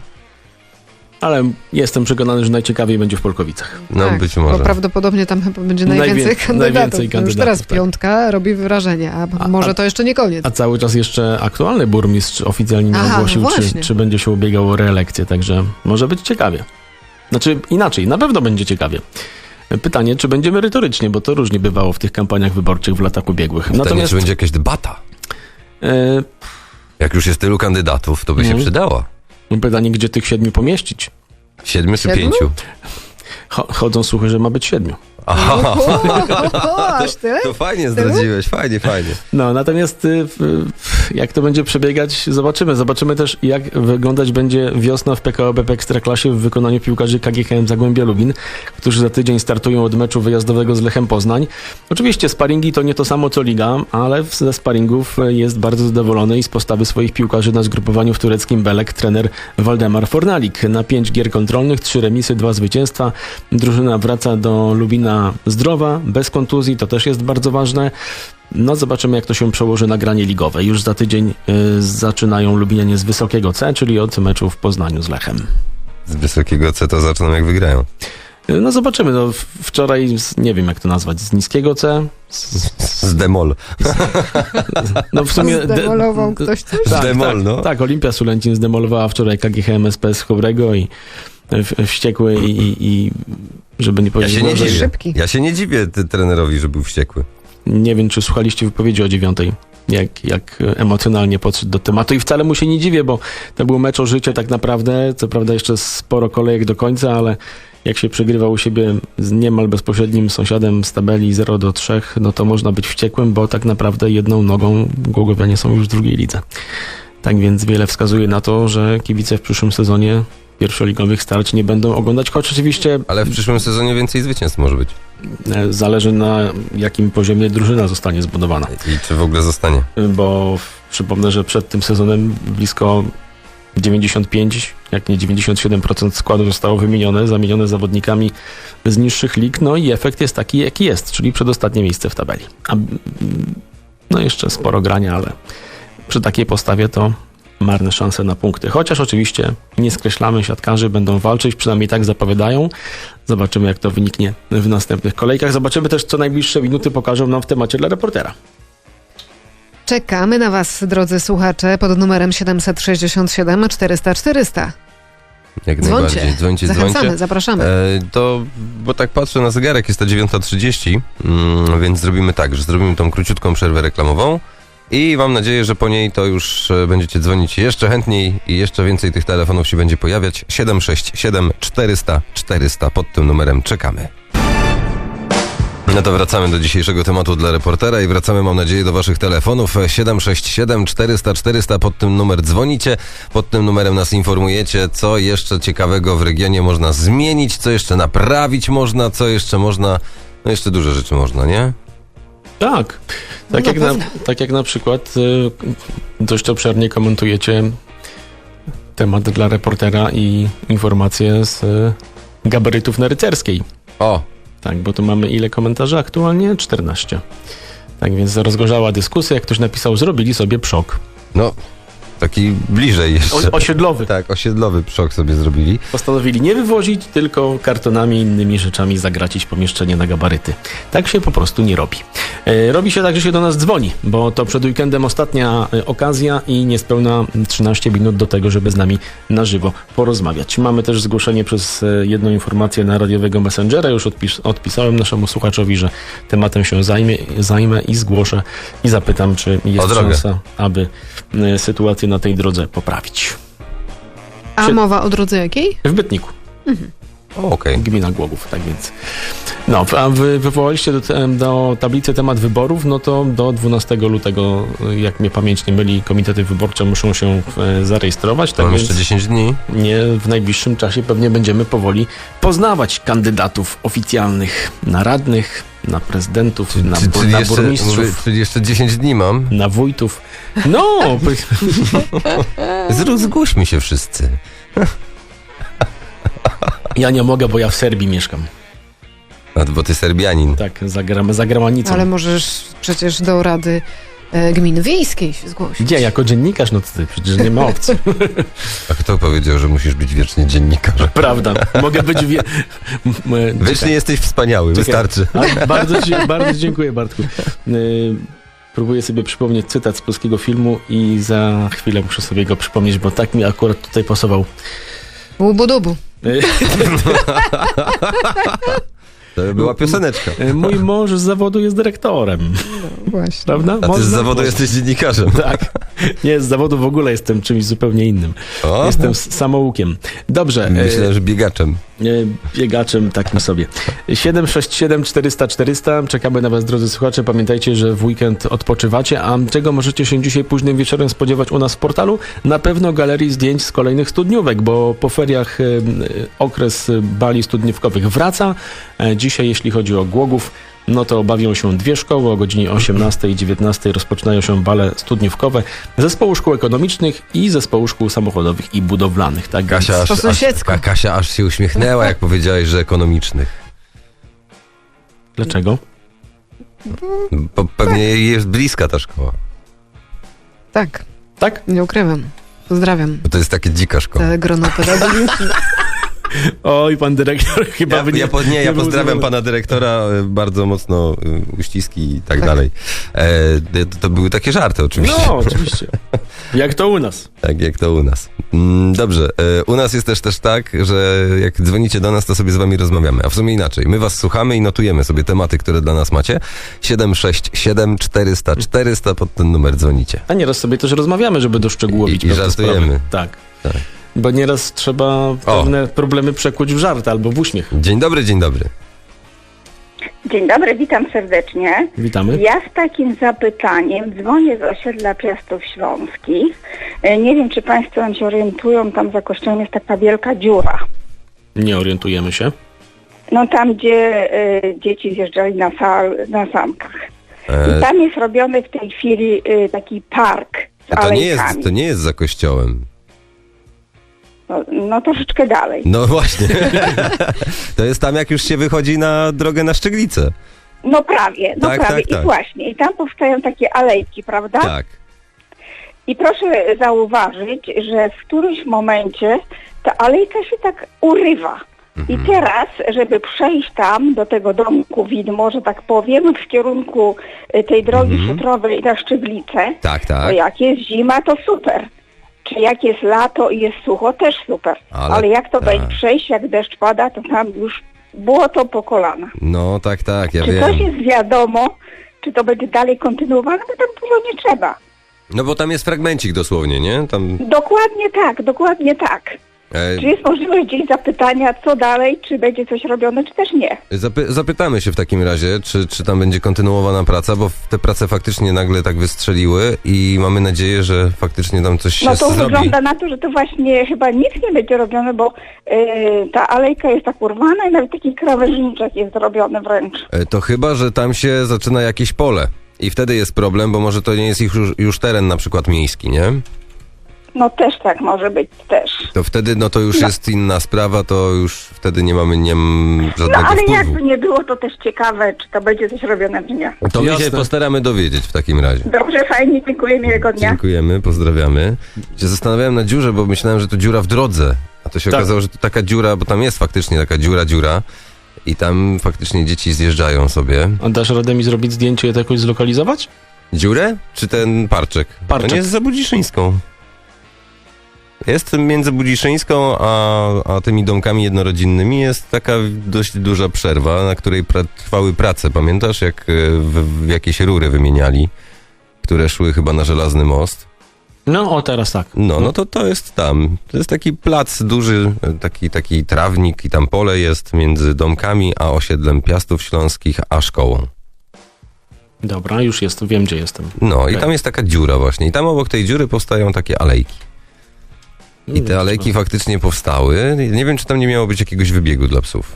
[SPEAKER 3] Ale jestem przekonany, że najciekawiej będzie w Polkowicach.
[SPEAKER 4] No
[SPEAKER 2] Tak,
[SPEAKER 4] być
[SPEAKER 2] Bo
[SPEAKER 4] może.
[SPEAKER 2] prawdopodobnie tam chyba będzie
[SPEAKER 3] Najwię-
[SPEAKER 2] najwięcej kandydatów.
[SPEAKER 3] najwięcej
[SPEAKER 2] Już
[SPEAKER 3] kandydatów,
[SPEAKER 2] teraz
[SPEAKER 3] tak.
[SPEAKER 2] piątka robi wrażenie, a,
[SPEAKER 3] A-
[SPEAKER 2] może
[SPEAKER 3] a-
[SPEAKER 2] to jeszcze nie koniec.
[SPEAKER 3] A cały czas jeszcze aktualny burmistrz oficjalnie nie
[SPEAKER 2] Aha, no
[SPEAKER 3] ogłosił, czy,
[SPEAKER 2] właśnie.
[SPEAKER 3] czy będzie się ubiegał o reelekcję, także może być ciekawie. Znaczy inaczej, na pewno będzie ciekawie. Pytanie, czy będzie merytorycznie, bo to różnie bywało w tych kampaniach wyborczych w latach ubiegłych.
[SPEAKER 4] Pytanie,
[SPEAKER 3] Natomiast
[SPEAKER 4] czy będzie jakaś debata?
[SPEAKER 3] e,
[SPEAKER 4] Jak już jest tylu kandydatów, to by się
[SPEAKER 3] Mhm.
[SPEAKER 4] przydało.
[SPEAKER 3] pytanie, gdzie tych siedmiu pomieścić?
[SPEAKER 4] Siedmiu czy
[SPEAKER 2] Siedmiu?
[SPEAKER 4] pięciu?
[SPEAKER 3] Cho- chodzą słuchy, że ma być siedmiu.
[SPEAKER 4] Aha,
[SPEAKER 2] O, aż tyle?
[SPEAKER 4] to fajnie zdradziłeś, fajnie, fajnie.
[SPEAKER 3] No, natomiast y, w- w- jak to będzie przebiegać, zobaczymy. Zobaczymy też, jak wyglądać będzie wiosna w P K O B P Ekstraklasie w wykonaniu piłkarzy K G H M Zagłębia Lubin, którzy za tydzień startują od meczu wyjazdowego z Lechem Poznań. Oczywiście sparingi to nie to samo co liga, ale w- ze sparingów jest bardzo zadowolony i z postawy swoich piłkarzy na zgrupowaniu w tureckim Belek trener Waldemar Fornalik. Na pięć gier kontrolnych, trzy remisy, dwa zwycięstwa. Drużyna wraca do Lubina zdrowa, bez kontuzji, to też jest bardzo ważne. No zobaczymy, jak to się przełoży na granie ligowe. Już za tydzień y, zaczynają Lubinianie z wysokiego C, czyli od meczu w Poznaniu z Lechem.
[SPEAKER 4] Z wysokiego C to zaczną jak wygrają.
[SPEAKER 3] Y, No zobaczymy. No, w- wczoraj, z, nie wiem jak to nazwać, z niskiego C? Z,
[SPEAKER 4] Z demol.
[SPEAKER 3] no w sumie... de-
[SPEAKER 2] Zdemolował ktoś coś?
[SPEAKER 3] tak,
[SPEAKER 4] Demol,
[SPEAKER 3] tak,
[SPEAKER 4] no.
[SPEAKER 3] tak, Olimpia Sulęcin zdemolowała wczoraj K G H M S P z Chobrego i w, wściekły i, i, i żeby nie
[SPEAKER 4] Ja
[SPEAKER 3] powiedzieć...
[SPEAKER 4] się nie
[SPEAKER 2] Może
[SPEAKER 4] dziwię.
[SPEAKER 2] szybki.
[SPEAKER 4] Ja się nie dziwię ty, trenerowi, że był wściekły.
[SPEAKER 3] Nie wiem, czy słuchaliście wypowiedzi o dziewiątej, jak, jak emocjonalnie podszedł do tematu i wcale mu się nie dziwię, bo to był mecz o życie tak naprawdę, co prawda jeszcze sporo kolejek do końca, ale jak się przegrywa u siebie z niemal bezpośrednim sąsiadem z tabeli zero do trzech, no to można być wściekłym, bo tak naprawdę jedną nogą Głogowianie są już w drugiej lidze. Tak więc wiele wskazuje na to, że kibice w przyszłym sezonie pierwszoligowych starć nie będą oglądać, choć oczywiście
[SPEAKER 4] Ale w przyszłym sezonie więcej zwycięstw może być.
[SPEAKER 3] e, zależy na jakim poziomie drużyna zostanie zbudowana.
[SPEAKER 4] I czy w ogóle zostanie.
[SPEAKER 3] Bo w- przypomnę, że przed tym sezonem blisko dziewięćdziesiąt pięć, jak nie dziewięćdziesiąt siedem procent składu zostało wymienione, zamienione zawodnikami z niższych lig, no i efekt jest taki, jaki jest, czyli przedostatnie miejsce w tabeli. A, mm, no jeszcze sporo grania, ale przy takiej postawie to marne szanse na punkty. Chociaż oczywiście nie skreślamy, siatkarzy będą walczyć, przynajmniej tak zapowiadają. Zobaczymy, jak to wyniknie w następnych kolejkach. Zobaczymy też, co najbliższe minuty pokażą nam w temacie dla reportera.
[SPEAKER 2] Czekamy na was, drodzy słuchacze, pod numerem siedemset sześćdziesiąt siedem czterysta czterysta.
[SPEAKER 4] Jak
[SPEAKER 2] Dzwońcie,
[SPEAKER 4] najbardziej. Dzwońcie,
[SPEAKER 2] zachęcamy,
[SPEAKER 4] dzwońcie.
[SPEAKER 2] zapraszamy.
[SPEAKER 4] E, to, bo tak patrzę na zegarek, jest to dziewiąta trzydzieści, mm, więc zrobimy tak, że zrobimy tą króciutką przerwę reklamową i mam nadzieję, że po niej to już e, będziecie dzwonić jeszcze chętniej i jeszcze więcej tych telefonów się będzie pojawiać. siedem sześć siedem czterysta czterysta, pod tym numerem czekamy. No to wracamy do dzisiejszego tematu dla reportera i wracamy, mam nadzieję, do waszych telefonów. siedem sześć siedem czterysta czterysta, pod tym numer dzwonicie, pod tym numerem nas informujecie, co jeszcze ciekawego w regionie można zmienić, co jeszcze naprawić można, co jeszcze można, no jeszcze dużo rzeczy można, nie?
[SPEAKER 3] Tak.
[SPEAKER 2] No
[SPEAKER 3] Tak,
[SPEAKER 2] na
[SPEAKER 3] jak, na,
[SPEAKER 2] pewno.
[SPEAKER 3] tak jak na przykład y, dość obszernie komentujecie temat dla reportera i informacje z y, gabarytów na Rycerskiej.
[SPEAKER 4] O,
[SPEAKER 3] Tak, bo tu mamy ile komentarzy aktualnie? czternaście. Tak więc rozgorzała dyskusja, jak ktoś napisał, zrobili sobie przok.
[SPEAKER 4] no, taki bliżej jeszcze.
[SPEAKER 3] O, osiedlowy.
[SPEAKER 4] Tak, osiedlowy przok sobie zrobili.
[SPEAKER 3] Postanowili nie wywozić, tylko kartonami i innymi rzeczami zagracić pomieszczenie na gabaryty. Tak się po prostu nie robi. E, robi się tak, że się do nas dzwoni, bo to przed weekendem ostatnia e, okazja i niespełna trzynaście minut do tego, żeby z nami na żywo porozmawiać. Mamy też zgłoszenie przez e, jedną informację na radiowego Messengera. Już odpis, odpisałem naszemu słuchaczowi, że tematem się zajmie, zajmę i zgłoszę i zapytam, czy jest
[SPEAKER 4] drogę.
[SPEAKER 3] szansa, aby e, sytuację na tej drodze poprawić.
[SPEAKER 2] A
[SPEAKER 3] się-
[SPEAKER 2] mowa o drodze jakiej?
[SPEAKER 3] W Bytniku.
[SPEAKER 4] O, okej.
[SPEAKER 3] Gmina Głogów, tak więc. No, a wy wywołaliście do, te- do tablicy temat wyborów, no to do dwunastego lutego, jak mnie pamięć nie myli, komitety wyborcze muszą się e, zarejestrować, tak
[SPEAKER 4] Mam
[SPEAKER 3] więc
[SPEAKER 4] jeszcze dziesięć dni.
[SPEAKER 3] nie, w najbliższym czasie pewnie będziemy powoli poznawać kandydatów oficjalnych na radnych, na prezydentów, na,
[SPEAKER 4] Czy-
[SPEAKER 3] bu-
[SPEAKER 4] czyli,
[SPEAKER 3] na
[SPEAKER 4] jeszcze,
[SPEAKER 3] burmistrzów,
[SPEAKER 4] mówię, czyli jeszcze dziesięć dni mam.
[SPEAKER 3] na wójtów. No,
[SPEAKER 4] Zrób, zgłośmy się wszyscy.
[SPEAKER 3] ja nie mogę, bo ja w Serbii mieszkam.
[SPEAKER 4] A, bo ty Serbianin.
[SPEAKER 3] Tak, za, gra- za granicą.
[SPEAKER 2] Ale możesz przecież do Rady e, Gminy Wiejskiej się zgłosić.
[SPEAKER 3] Gdzie? Jako dziennikarz? No to ty, przecież nie ma opcji.
[SPEAKER 4] A kto powiedział, że musisz być wiecznie dziennikarzem?
[SPEAKER 3] Prawda. Mogę być wie... m- m-
[SPEAKER 4] Wiecznie
[SPEAKER 3] czekaj.
[SPEAKER 4] jesteś wspaniały,
[SPEAKER 3] Czekaj.
[SPEAKER 4] wystarczy.
[SPEAKER 3] A, bardzo, ci, bardzo dziękuję, Bartku. Y, próbuję sobie przypomnieć cytat z polskiego filmu i za chwilę muszę sobie go przypomnieć, bo tak mi akurat tutaj pasował.
[SPEAKER 2] Łubu-dubu.
[SPEAKER 3] Y,
[SPEAKER 4] To była pioseneczka.
[SPEAKER 3] y, mój mąż z zawodu jest dyrektorem.
[SPEAKER 2] Właśnie.
[SPEAKER 3] Prawda?
[SPEAKER 4] A ty z
[SPEAKER 3] Można?
[SPEAKER 4] zawodu
[SPEAKER 3] Można.
[SPEAKER 4] jesteś dziennikarzem.
[SPEAKER 3] Tak. Nie, z zawodu w ogóle jestem czymś zupełnie innym.
[SPEAKER 4] O,
[SPEAKER 3] Jestem s- samoukiem. Dobrze. y,
[SPEAKER 4] myślę, że biegaczem.
[SPEAKER 3] Nie, biegaczem takim sobie. siedem sześć siedem czterysta czterysta. Czekamy na was, drodzy słuchacze. Pamiętajcie, że w weekend odpoczywacie. A czego możecie się dzisiaj późnym wieczorem spodziewać u nas w portalu? Na pewno galerii zdjęć z kolejnych studniówek, bo po feriach e, e, okres bali studniówkowych wraca. E, dzisiaj, jeśli chodzi o Głogów, no to bawią się dwie szkoły. O godzinie osiemnastej i dziewiętnastej rozpoczynają się bale studniówkowe Zespołu Szkół Ekonomicznych i Zespołu Szkół Samochodowych i Budowlanych. Tak
[SPEAKER 4] Kasia
[SPEAKER 3] więc-
[SPEAKER 4] aż,
[SPEAKER 2] Po
[SPEAKER 4] aż,
[SPEAKER 2] sąsiedzku.
[SPEAKER 4] Ka- Kasia aż się uśmiechnęła, jak powiedziałeś, że ekonomicznych.
[SPEAKER 3] Dlaczego?
[SPEAKER 4] Bo pewnie jej jest bliska ta szkoła.
[SPEAKER 2] Tak,
[SPEAKER 3] Tak?
[SPEAKER 2] nie ukrywam. Pozdrawiam.
[SPEAKER 4] Bo to jest takie dzika szkoła.
[SPEAKER 2] Całe grono pedagogiczne.
[SPEAKER 3] Oj, pan dyrektor chyba
[SPEAKER 4] Ja,
[SPEAKER 3] by nie...
[SPEAKER 4] ja, po, nie, ja
[SPEAKER 3] był
[SPEAKER 4] pozdrawiam
[SPEAKER 3] zadowolony.
[SPEAKER 4] pana dyrektora, y, bardzo mocno y, uściski i tak,
[SPEAKER 2] Tak.
[SPEAKER 4] dalej. E, to, to były takie żarty oczywiście.
[SPEAKER 3] No, oczywiście. Jak to u nas.
[SPEAKER 4] Tak jak to u nas. Mm, dobrze, e, u nas jest też też tak, że jak dzwonicie do nas, to sobie z wami rozmawiamy. A w sumie inaczej. My was słuchamy i notujemy sobie tematy, które dla nas macie. siedem sześć siedem czterysta czterysta, pod ten numer dzwonicie.
[SPEAKER 3] A nieraz sobie też rozmawiamy, żeby doszczegółowić
[SPEAKER 4] I- i
[SPEAKER 3] pewne
[SPEAKER 4] żartujemy.
[SPEAKER 3] sprawy. Tak.
[SPEAKER 4] Tak.
[SPEAKER 3] Bo nieraz trzeba pewne problemy przekuć w żart albo w uśmiech.
[SPEAKER 4] Dzień dobry, dzień dobry.
[SPEAKER 8] Dzień dobry, witam serdecznie.
[SPEAKER 3] Witamy.
[SPEAKER 8] Ja z takim zapytaniem dzwonię z osiedla Piastów Śląskich. E, Nie wiem, czy Państwo się orientują, tam za kościołem jest taka wielka dziura.
[SPEAKER 3] Nie orientujemy się.
[SPEAKER 8] No tam, gdzie e, dzieci zjeżdżali na, sal, na sankach. I
[SPEAKER 4] E,
[SPEAKER 8] tam jest robiony w tej chwili e, taki park z
[SPEAKER 4] to, nie jest,
[SPEAKER 8] alejkami.
[SPEAKER 4] to nie jest za kościołem.
[SPEAKER 8] No, no troszeczkę dalej.
[SPEAKER 4] No właśnie. To jest tam, jak już się wychodzi na drogę na Szczyglicę.
[SPEAKER 8] No prawie, no
[SPEAKER 4] Tak,
[SPEAKER 8] prawie.
[SPEAKER 4] tak, tak.
[SPEAKER 8] I właśnie, i tam powstają takie alejki, prawda?
[SPEAKER 4] Tak.
[SPEAKER 8] I proszę zauważyć, że w którymś momencie ta alejka się tak urywa. I teraz, żeby przejść tam do tego domku widmo, że tak powiem, w kierunku y, tej drogi
[SPEAKER 4] Mhm.
[SPEAKER 8] futrowej na Szczyglice,
[SPEAKER 4] Tak,
[SPEAKER 8] to
[SPEAKER 4] tak.
[SPEAKER 8] jak jest zima, to super. Czy jak jest lato i jest sucho, też super.
[SPEAKER 4] Ale-
[SPEAKER 8] Ale, jak to
[SPEAKER 4] tak.
[SPEAKER 8] będzie przejść, jak deszcz pada, to tam już błoto po kolana.
[SPEAKER 4] No tak, tak, ja
[SPEAKER 8] Czy
[SPEAKER 4] wiem.
[SPEAKER 8] coś jest wiadomo, czy to będzie dalej kontynuowane, bo tam dużo nie trzeba.
[SPEAKER 4] No bo tam jest fragmencik dosłownie, nie? Tam...
[SPEAKER 8] Dokładnie tak, dokładnie tak.
[SPEAKER 4] E,
[SPEAKER 8] Czy jest możliwość gdzieś zapytania, co dalej, czy będzie coś robione, czy też nie?
[SPEAKER 4] Zapy- zapytamy się w takim razie, czy, czy tam będzie kontynuowana praca, bo te prace faktycznie nagle tak wystrzeliły i mamy nadzieję, że faktycznie tam coś się
[SPEAKER 8] No to
[SPEAKER 4] zrobi.
[SPEAKER 8] wygląda na to, że to właśnie chyba nic nie będzie robione, bo yy, ta alejka jest tak urwana i nawet taki krawężniczek jest zrobiony wręcz.
[SPEAKER 4] E, To chyba, że tam się zaczyna jakieś pole i wtedy jest problem, bo może to nie jest ich już, już teren na przykład miejski, nie?
[SPEAKER 8] No też tak może być, też.
[SPEAKER 4] To wtedy, no to już
[SPEAKER 8] No.
[SPEAKER 4] jest inna sprawa, to już wtedy nie mamy nie m,
[SPEAKER 8] No
[SPEAKER 4] żadnego
[SPEAKER 8] ale
[SPEAKER 4] wpływu.
[SPEAKER 8] jakby nie było, to też ciekawe, czy to będzie coś robione, czy nie.
[SPEAKER 4] To my się
[SPEAKER 3] Jasne.
[SPEAKER 4] postaramy dowiedzieć w takim razie.
[SPEAKER 8] Dobrze, fajnie, dziękuję, miłego dnia.
[SPEAKER 4] Dziękujemy, pozdrawiamy. Się zastanawiałem na dziurze, bo myślałem, że to dziura w drodze. A to się
[SPEAKER 3] Tak.
[SPEAKER 4] okazało, że to taka dziura, bo tam jest faktycznie taka dziura, dziura. I tam faktycznie dzieci zjeżdżają sobie.
[SPEAKER 3] A dasz radę mi zrobić zdjęcie i to jakoś zlokalizować?
[SPEAKER 4] Dziurę? Czy ten parczek?
[SPEAKER 3] Parczek.
[SPEAKER 4] On jest za Budziszyńską. Jest między Budziszyńską a, a tymi domkami jednorodzinnymi jest taka dość duża przerwa, na której pra- trwały prace. Pamiętasz, jak e, w, w jakieś rury wymieniali, które szły chyba na Żelazny Most?
[SPEAKER 3] No, o teraz tak.
[SPEAKER 4] No, no to to jest tam. To jest taki plac duży, taki, taki trawnik i tam pole jest między domkami a osiedlem Piastów Śląskich a szkołą.
[SPEAKER 3] Dobra, już jest, wiem gdzie jestem.
[SPEAKER 4] No i
[SPEAKER 3] Okej.
[SPEAKER 4] tam jest taka dziura właśnie. I tam obok tej dziury powstają takie alejki. I te alejki faktycznie powstały. Nie wiem, czy tam nie miało być jakiegoś wybiegu dla psów.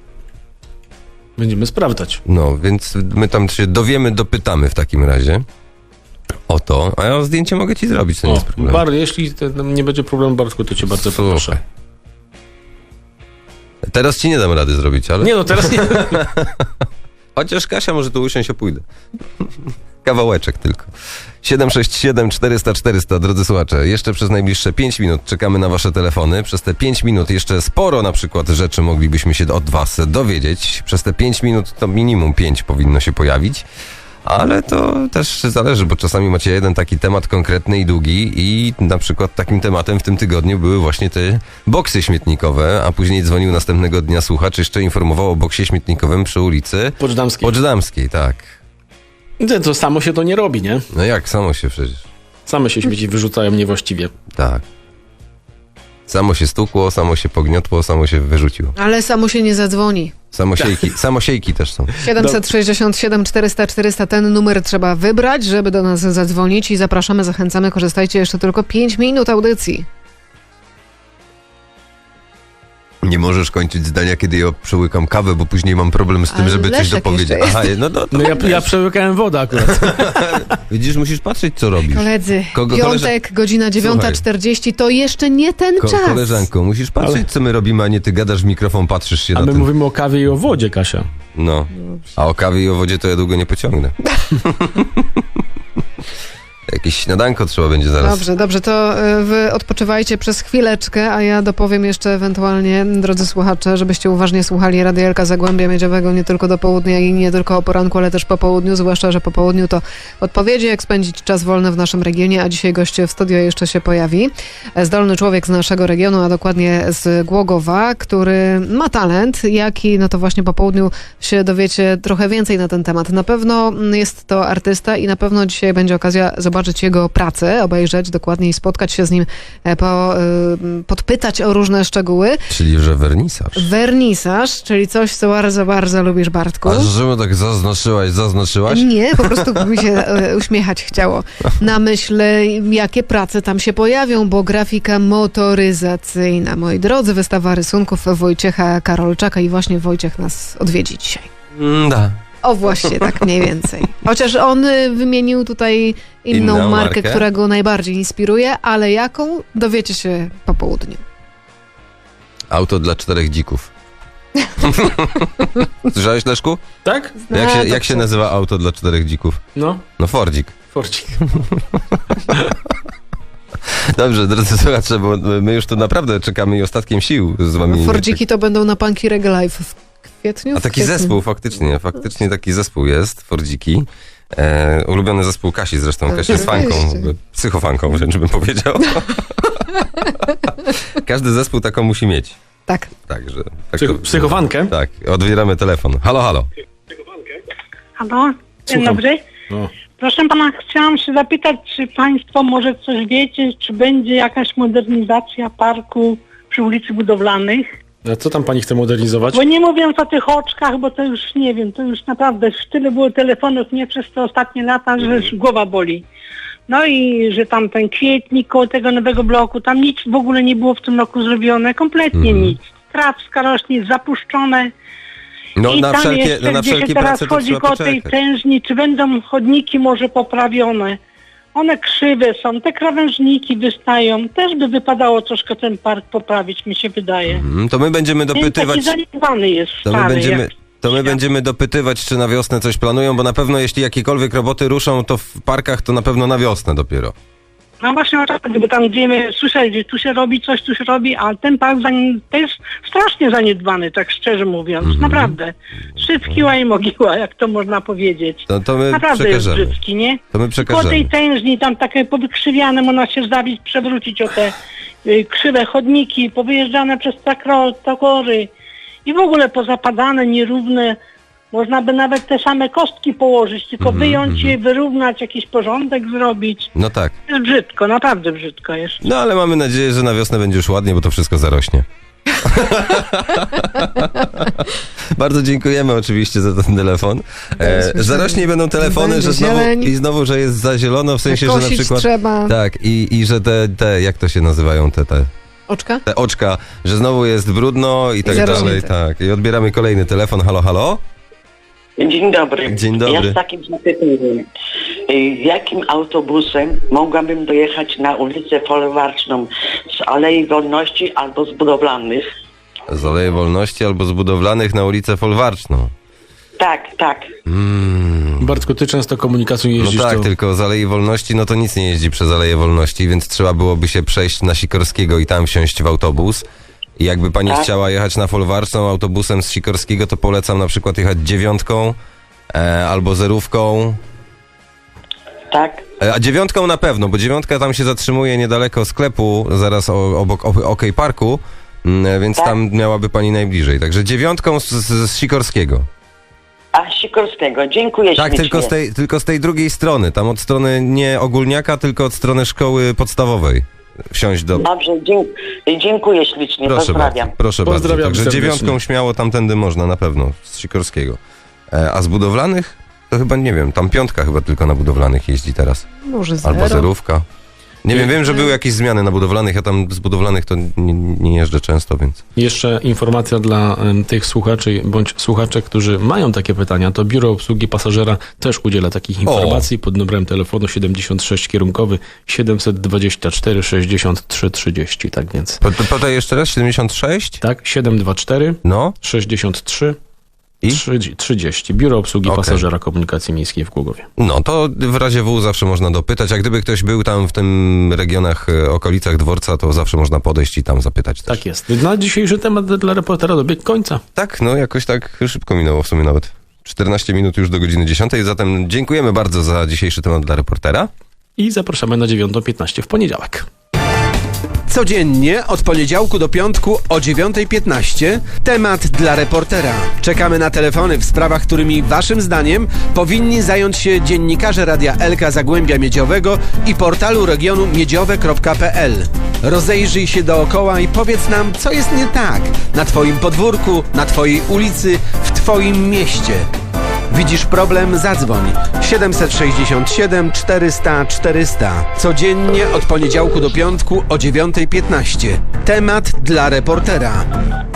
[SPEAKER 3] Będziemy sprawdzać.
[SPEAKER 4] No, więc my tam się dowiemy, dopytamy w takim razie o to. A ja zdjęcie mogę ci zrobić, to nie
[SPEAKER 3] O,
[SPEAKER 4] jest problem.
[SPEAKER 3] Bar, jeśli to, nie będzie problemu, Bartku, to cię bardzo
[SPEAKER 4] Słuchaj.
[SPEAKER 3] proszę.
[SPEAKER 4] Teraz ci nie dam rady zrobić, ale...
[SPEAKER 3] Nie no, teraz nie.
[SPEAKER 4] Chociaż Kasia może tu usiąść, opójdę. Kawałeczek tylko. siedem sześć siedem czterysta czterysta, drodzy słuchacze, jeszcze przez najbliższe pięć minut czekamy na wasze telefony. Przez te pięć minut jeszcze sporo na przykład rzeczy moglibyśmy się od was dowiedzieć. Przez te pięć minut to minimum pięć powinno się pojawić. Ale to też zależy, bo czasami macie jeden taki temat konkretny i długi i na przykład takim tematem w tym tygodniu były właśnie te boksy śmietnikowe, a później dzwonił następnego dnia słuchacz, jeszcze informował o boksie śmietnikowym przy ulicy
[SPEAKER 3] Poczdamskiej.
[SPEAKER 4] Poczdamskiej, tak.
[SPEAKER 3] To, to samo się to nie robi, nie?
[SPEAKER 4] No jak, samo się przecież.
[SPEAKER 3] Same się śmieci wyrzucają niewłaściwie.
[SPEAKER 4] Tak. Samo się stukło, samo się pogniotło, samo się wyrzuciło.
[SPEAKER 2] Ale samo się nie zadzwoni.
[SPEAKER 4] Samosiejki, samosiejki też są.
[SPEAKER 2] siedemset sześćdziesiąt siedem czterysta czterysta, ten numer trzeba wybrać, żeby do nas zadzwonić i zapraszamy, zachęcamy, korzystajcie jeszcze tylko pięć minut audycji.
[SPEAKER 4] Nie możesz kończyć zdania, kiedy ja przełykam kawę, bo później mam problem z tym,
[SPEAKER 2] Ale
[SPEAKER 4] żeby coś
[SPEAKER 2] Leszek
[SPEAKER 4] dopowiedzieć.
[SPEAKER 2] jeszcze
[SPEAKER 4] Aha, no, no, to
[SPEAKER 3] No ja, ja przełykałem wodę akurat.
[SPEAKER 4] widzisz, musisz patrzeć, co robisz.
[SPEAKER 2] Koledzy,
[SPEAKER 4] Kogo-
[SPEAKER 2] piątek, godzina dziewiąta czterdzieści, to jeszcze nie ten
[SPEAKER 4] Ko-
[SPEAKER 2] czas.
[SPEAKER 4] koleżanko, musisz patrzeć,
[SPEAKER 3] Ale-
[SPEAKER 4] co my robimy, a nie ty gadasz w mikrofon, patrzysz się
[SPEAKER 3] A
[SPEAKER 4] na
[SPEAKER 3] my
[SPEAKER 4] ten...
[SPEAKER 3] mówimy o kawie i o wodzie, Kasia.
[SPEAKER 4] No. A o kawie i o wodzie to ja długo nie pociągnę. Jakieś śniadanko trzeba będzie zaraz.
[SPEAKER 2] Dobrze, dobrze, to y, wy odpoczywajcie przez chwileczkę, a ja dopowiem jeszcze ewentualnie, drodzy słuchacze, żebyście uważnie słuchali Radia Elka Zagłębia Miedziowego nie tylko do południa i nie tylko o poranku, ale też po południu, zwłaszcza, że po południu to odpowiedzi, jak spędzić czas wolny w naszym regionie, a dzisiaj gość w studio jeszcze się pojawi. Zdolny człowiek z naszego regionu, a dokładnie z Głogowa, który ma talent, jaki, no to właśnie po południu się dowiecie trochę więcej na ten temat. Na pewno jest to artysta i na pewno dzisiaj będzie okazja zobaczyć jego pracę, obejrzeć dokładnie i spotkać się z nim, e, po, y, podpytać o różne szczegóły.
[SPEAKER 4] Czyli, że wernisaż.
[SPEAKER 2] Wernisaż, czyli coś, co bardzo, bardzo lubisz, Bartku.
[SPEAKER 4] A że tak zaznaczyłaś, zaznaczyłaś?
[SPEAKER 2] Nie, po prostu mi się e, uśmiechać chciało. Na myśl, jakie prace tam się pojawią, bo grafika motoryzacyjna. Moi drodzy, wystawa rysunków Wojciecha Karolczaka i właśnie Wojciech nas odwiedzi dzisiaj.
[SPEAKER 4] Mm, da.
[SPEAKER 2] O właśnie, tak mniej więcej. Chociaż on y, wymienił tutaj inną,
[SPEAKER 4] Inną
[SPEAKER 2] markę,
[SPEAKER 4] markę?
[SPEAKER 2] która go najbardziej inspiruje, ale jaką, dowiecie się po południu.
[SPEAKER 4] Auto dla czterech dzików. Słyszałeś, Leszku?
[SPEAKER 3] Tak?
[SPEAKER 4] Jak
[SPEAKER 2] A,
[SPEAKER 4] się,
[SPEAKER 2] to
[SPEAKER 4] jak się
[SPEAKER 2] co?
[SPEAKER 4] nazywa auto dla czterech dzików?
[SPEAKER 3] No,
[SPEAKER 4] No Fordzik.
[SPEAKER 3] Forcik.
[SPEAKER 4] Dobrze, drodzy słuchacze, bo my już tu naprawdę czekamy i ostatkiem sił z wami.
[SPEAKER 2] Fordziki to będą na Punky Reggae Live w kwietniu?
[SPEAKER 4] A
[SPEAKER 2] W
[SPEAKER 4] taki
[SPEAKER 2] kwietniu.
[SPEAKER 4] zespół, faktycznie, faktycznie taki zespół jest, Fordziki. E, ulubiony zespół Kasi zresztą, Kasia jest fanką,
[SPEAKER 2] Oczywiście.
[SPEAKER 4] psychofanką wręcz bym powiedział. Każdy zespół taką musi mieć.
[SPEAKER 2] Tak.
[SPEAKER 4] Także, tak
[SPEAKER 3] Psych- psychofankę?
[SPEAKER 4] Tak, odbieramy telefon. Halo, halo.
[SPEAKER 9] Halo, dzień
[SPEAKER 3] Słucham.
[SPEAKER 9] dobry.
[SPEAKER 3] No.
[SPEAKER 9] Proszę pana, chciałam się zapytać, czy państwo może coś wiecie, czy będzie jakaś modernizacja parku przy ulicy Budowlanych?
[SPEAKER 3] A co tam pani chce modernizować?
[SPEAKER 9] Bo nie mówiąc o tych oczkach, bo to już nie wiem, to już naprawdę już tyle było telefonów nie przez te ostatnie lata, że już głowa boli. No i że tam ten kwietnik koło tego nowego bloku, tam nic w ogóle nie było w tym roku zrobione, kompletnie
[SPEAKER 4] Mhm.
[SPEAKER 9] nic. Trawska rośnie, zapuszczone.
[SPEAKER 4] No
[SPEAKER 9] I
[SPEAKER 4] na
[SPEAKER 9] tam
[SPEAKER 4] wszelkie,
[SPEAKER 9] jeszcze,
[SPEAKER 4] no, na
[SPEAKER 9] gdzie się
[SPEAKER 4] wszelkie
[SPEAKER 9] teraz
[SPEAKER 4] prace to
[SPEAKER 9] chodzi
[SPEAKER 4] trzeba
[SPEAKER 9] koło tej
[SPEAKER 4] poczekać.
[SPEAKER 9] tężni, czy będą chodniki może poprawione? One krzywe są, te krawężniki wystają. Też by wypadało troszkę ten park poprawić, mi się wydaje.
[SPEAKER 4] Mm, To my będziemy
[SPEAKER 9] Więc taki
[SPEAKER 4] dopytywać...
[SPEAKER 9] zaniedbany jest,
[SPEAKER 4] To my,
[SPEAKER 9] stary.
[SPEAKER 4] będziemy,
[SPEAKER 9] jak-
[SPEAKER 4] to my będziemy dopytywać, czy na wiosnę coś planują, bo na pewno jeśli jakiekolwiek roboty ruszą, to w parkach to na pewno na wiosnę dopiero.
[SPEAKER 9] No właśnie o tak, bo tam gdzie my słyszeli, że tu się robi coś, tu się robi, a ten park zanim, to jest strasznie zaniedbany, tak szczerze mówiąc.
[SPEAKER 4] Mhm.
[SPEAKER 9] Naprawdę. Szybkiła i mogiła, jak to można powiedzieć.
[SPEAKER 4] To, to my
[SPEAKER 9] Naprawdę jest
[SPEAKER 4] przekażemy.
[SPEAKER 9] brzydki, nie?
[SPEAKER 4] To my
[SPEAKER 9] Po tej
[SPEAKER 4] przekażemy.
[SPEAKER 9] tężni, tam takie powykrzywiane, można się zabić, przewrócić o te y, krzywe chodniki, powyjeżdżane przez takro- takory i w ogóle pozapadane, nierówne. Można by nawet te same kostki położyć, tylko
[SPEAKER 4] Mhm,
[SPEAKER 9] wyjąć je, wyrównać, jakiś porządek zrobić.
[SPEAKER 4] No tak.
[SPEAKER 9] Jest brzydko, naprawdę brzydko jest.
[SPEAKER 4] No ale mamy nadzieję, że na wiosnę będzie już ładnie, bo to wszystko zarośnie. Bardzo dziękujemy oczywiście za ten telefon. E, zarośnie i będą telefony,
[SPEAKER 2] Będzie
[SPEAKER 4] że znowu,
[SPEAKER 2] zieleń.
[SPEAKER 4] i znowu, że jest za zielono, w sensie, że na
[SPEAKER 2] Kosić
[SPEAKER 4] przykład...
[SPEAKER 2] trzeba.
[SPEAKER 4] Tak, i, i że te, te, jak to się nazywają, te, te,
[SPEAKER 2] Oczka?
[SPEAKER 4] te oczka, że znowu jest brudno i tak
[SPEAKER 2] zarośnięte.
[SPEAKER 4] dalej. Tak, i odbieramy kolejny telefon. Halo, halo?
[SPEAKER 10] Dzień dobry.
[SPEAKER 4] Dzień dobry.
[SPEAKER 10] Ja z takim zapytaniem. Y, Jakim autobusem mogłabym dojechać na ulicę Folwarczną z Alei Wolności albo z Budowlanych?
[SPEAKER 4] Z Alei Wolności albo z Budowlanych na ulicę Folwarczną.
[SPEAKER 10] Tak, tak.
[SPEAKER 4] Mm.
[SPEAKER 3] Bartku, ty często komunikacją
[SPEAKER 4] No
[SPEAKER 3] jeździsz,
[SPEAKER 4] tak,
[SPEAKER 3] to...
[SPEAKER 4] tylko z Alei Wolności, no to nic nie jeździ przez Aleję Wolności, więc trzeba byłoby się przejść na Sikorskiego i tam wsiąść w autobus. I jakby pani
[SPEAKER 10] Tak.
[SPEAKER 4] chciała jechać na Folwarczną autobusem z Sikorskiego, to polecam na przykład jechać dziewiątką e, albo zerówką.
[SPEAKER 10] Tak.
[SPEAKER 4] E, a dziewiątką na pewno, bo dziewiątka tam się zatrzymuje niedaleko sklepu, zaraz o, obok o- OK Parku, mm, więc
[SPEAKER 10] Tak.
[SPEAKER 4] tam miałaby pani najbliżej. Także dziewiątką z, z, z Sikorskiego.
[SPEAKER 10] A Sikorskiego. Dziękuję
[SPEAKER 4] Tak,
[SPEAKER 10] ślicznie.
[SPEAKER 4] tylko z, tej, tylko z tej drugiej strony, tam od strony nie ogólniaka, tylko od strony szkoły podstawowej. Wsiąść do...
[SPEAKER 10] Dobrze, dzie- dziękuję ślicznie.
[SPEAKER 4] Proszę
[SPEAKER 10] Pozdrawiam.
[SPEAKER 4] bardzo, proszę bardzo.
[SPEAKER 3] Pozdrawiam
[SPEAKER 4] Także
[SPEAKER 3] serdecznie.
[SPEAKER 4] dziewiątką śmiało tamtędy można na pewno, z Sikorskiego. E, a z budowlanych? To chyba nie wiem, tam piątka chyba tylko na budowlanych jeździ teraz.
[SPEAKER 2] Może zero.
[SPEAKER 4] Albo zerówka. Nie wiem,
[SPEAKER 3] Nie.
[SPEAKER 4] wiem, że były jakieś zmiany na budowlanych, ja tam z budowlanych to nie, nie jeżdżę często, więc...
[SPEAKER 3] Jeszcze informacja dla em, tych słuchaczy bądź słuchaczek, którzy mają takie pytania, to Biuro Obsługi Pasażera też udziela takich informacji pod numerem telefonu siedemdziesiąt sześć kierunkowy siedemset dwadzieścia cztery sześćdziesiąt trzy trzydzieści, tak więc.
[SPEAKER 4] Po- po- Podaj jeszcze raz, siedemdziesiąt sześć?
[SPEAKER 3] Tak, siedemset dwadzieścia cztery
[SPEAKER 4] No
[SPEAKER 3] sześćdziesiąt trzy
[SPEAKER 4] i?
[SPEAKER 3] trzydzieści. Biuro Obsługi
[SPEAKER 4] Okej.
[SPEAKER 3] Pasażera Komunikacji Miejskiej w Głogowie.
[SPEAKER 4] No, to w razie W zawsze można dopytać, a gdyby ktoś był tam w tym regionach, e, okolicach dworca, to zawsze można podejść i tam zapytać też.
[SPEAKER 3] Tak jest. Na dzisiejszy temat dla reportera dobiegł końca.
[SPEAKER 4] Tak, no jakoś tak szybko minęło w sumie nawet. czternaście minut już do godziny dziesiątej, zatem dziękujemy bardzo za dzisiejszy temat dla reportera.
[SPEAKER 3] I zapraszamy na dziewiątą piętnaście w poniedziałek.
[SPEAKER 1] Codziennie od poniedziałku do piątku o dziewiątej piętnaście temat dla reportera. Czekamy na telefony w sprawach, którymi waszym zdaniem powinni zająć się dziennikarze Radia Elka Zagłębia Miedziowego i portalu regionu miedziowe kropka p l. Rozejrzyj się dookoła i powiedz nam, co jest nie tak na twoim podwórku, na twojej ulicy, w twoim mieście. Widzisz problem? Zadzwoń siedemset sześćdziesiąt siedem czterysta czterysta. Codziennie od poniedziałku do piątku o dziewiątej piętnaście. Temat dla reportera.